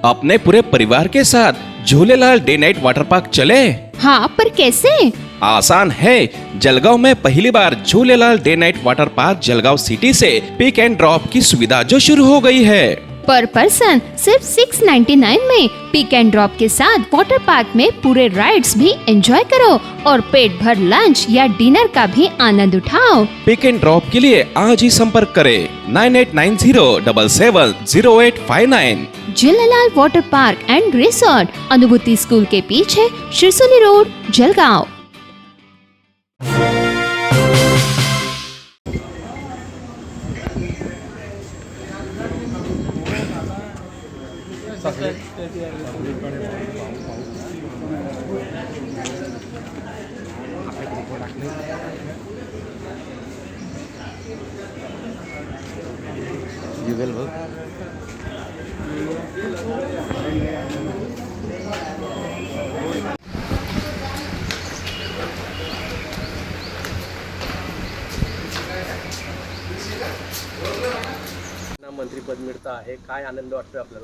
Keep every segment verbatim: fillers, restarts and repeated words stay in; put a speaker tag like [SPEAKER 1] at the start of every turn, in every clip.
[SPEAKER 1] अपने पूरे परिवार के साथ Jhulelal day night water park चले।
[SPEAKER 2] हाँ, पर कैसे?
[SPEAKER 1] आसान है। जलगांव में पहली बार Jhulelal day night water park Jalgaon city से पिक एंड ड्रॉप की सुविधा जो शुरू हो गई है।
[SPEAKER 2] पर पर्सन सिर्फ छह सौ निन्यानवे में पिक एंड ड्रॉप के साथ वाटर पार्क में पूरे राइड्स भी एंजॉय करो और पेट भर लंच या डिनर का भी आनंद उठाओ।
[SPEAKER 1] पिक एंड ड्रॉप के लिए आज ही संपर्क करें nine eight nine zero seven seven zero eight five nine.
[SPEAKER 2] Jhulelal water park and resort, Anubhuti school के पीछे, शिरसोली रोड, जलगांव।
[SPEAKER 3] जुगल भाऊ
[SPEAKER 4] मंत्रीपद मिळतं आहे, काय आनंद वाटतो आपल्याला?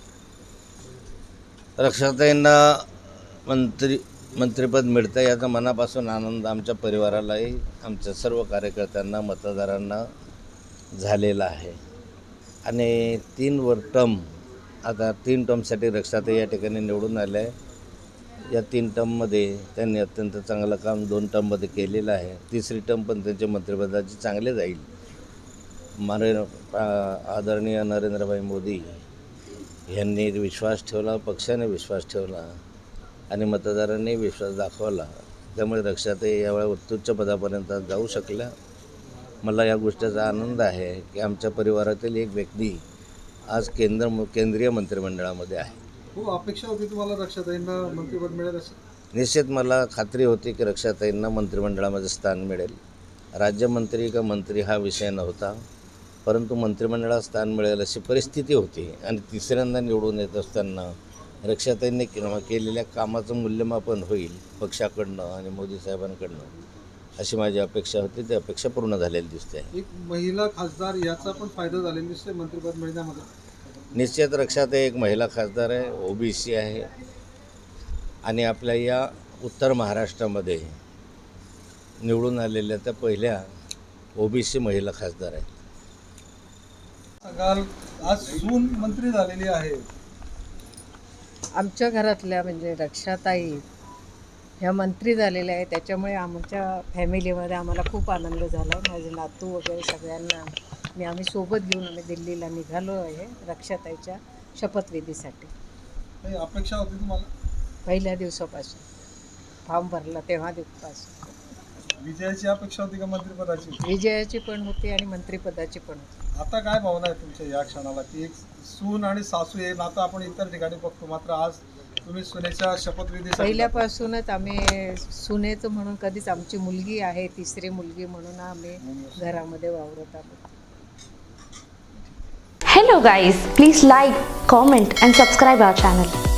[SPEAKER 3] रक्षाताईंना मंत्री मंत्रिपद मिळतं याचा मनापासून आनंद आमच्या परिवारालाही, आमच्या सर्व कार्यकर्त्यांना, मतदारांना झालेला आहे। आणि तीन वर टर्म आता तीन टर्मसाठी रक्षाताई या ठिकाणी निवडून आल्या आहे। या तीन टर्ममध्ये त्यांनी अत्यंत चांगलं काम दोन टर्ममध्ये केलेलं आहे। तिसरी टर्म पण त्यांच्या मंत्रिपदाची चांगले जाईल। मारे आदरणीय नरेंद्रभाई मोदी यांनी विश्वास ठेवला, पक्षाने विश्वास ठेवला आणि मतदारांनी विश्वास दाखवला, त्यामुळे रक्षाताई यावेळी उत्तुच्च पदापर्यंत जाऊ शकल्या। मला या गोष्टीचा आनंद आहे की आमच्या परिवारातील एक व्यक्ती आज केंद्र केंद्रीय मंत्रिमंडळामध्ये आहे।
[SPEAKER 5] खूप अपेक्षा होती तुम्हाला रक्षाताईंना मंत्रिपद मिळेल अशी?
[SPEAKER 3] निश्चित मला खात्री होती की रक्षाताईंना मंत्रिमंडळामध्ये स्थान मिळेल। राज्यमंत्री का मंत्री हा विषय नव्हता, परंतु मंत्रिमंडळात स्थान मिळेल अशी परिस्थिती होती। आणि तिसऱ्यांदा निवडून येत असताना रक्षाताईंनी केलेल्या कामाचं मूल्यमापन होईल पक्षाकडनं आणि मोदी साहेबांकडनं, अशी माझी अपेक्षा होती। ती अपेक्षा पूर्ण झालेली दिसते।
[SPEAKER 5] एक महिला खासदार याचा पण फायदा झालेला दिसतोय मंत्रिपद मिळण्यामध्ये।
[SPEAKER 3] निश्चित रक्षाताई एक महिला खासदार आहे, ओबीसी आहे आणि आपल्या या उत्तर महाराष्ट्रामध्ये निवडून आलेल्या त्या पहिल्या ओबीसी महिला खासदार आहेत।
[SPEAKER 5] काल आज सून मंत्री झालेली आहे।
[SPEAKER 6] आमच्या घरातल्या म्हणजे रक्षाताई ह्या मंत्री झालेल्या आहे, त्याच्यामुळे आमच्या फॅमिलीमध्ये आम्हाला खूप आनंद झाला। माझे नातू वगैरे सगळ्यांना आणि आम्ही सोबत घेऊन आम्ही दिल्लीला निघालो आहे रक्षाताईच्या शपथविधीसाठी।
[SPEAKER 5] काही अपेक्षा होती तुम्हाला?
[SPEAKER 6] पहिल्या दिवसापासून फॉर्म भरला तेव्हा दिवसापासून
[SPEAKER 5] विजयाची अपेक्षा होती का मंत्रिपदाची?
[SPEAKER 6] विजयाची पण होती आणि मंत्रिपदाची पण होती।
[SPEAKER 5] आता काय भावना आहे तुमच्या या क्षणाला की एक सून आणि सासू हे नातं आपण इतर ठिकाणी बघतो, मात्र आज तुम्ही सुनेच्या शपथविधी
[SPEAKER 6] पहिल्यापासूनच आम्ही सुनेचं म्हणून कधीच, आमची मुलगी आहे तिसरी मुलगी म्हणून आम्ही घरामध्ये वावरत आहोत।
[SPEAKER 7] Hello guys, please like, comment and subscribe our channel.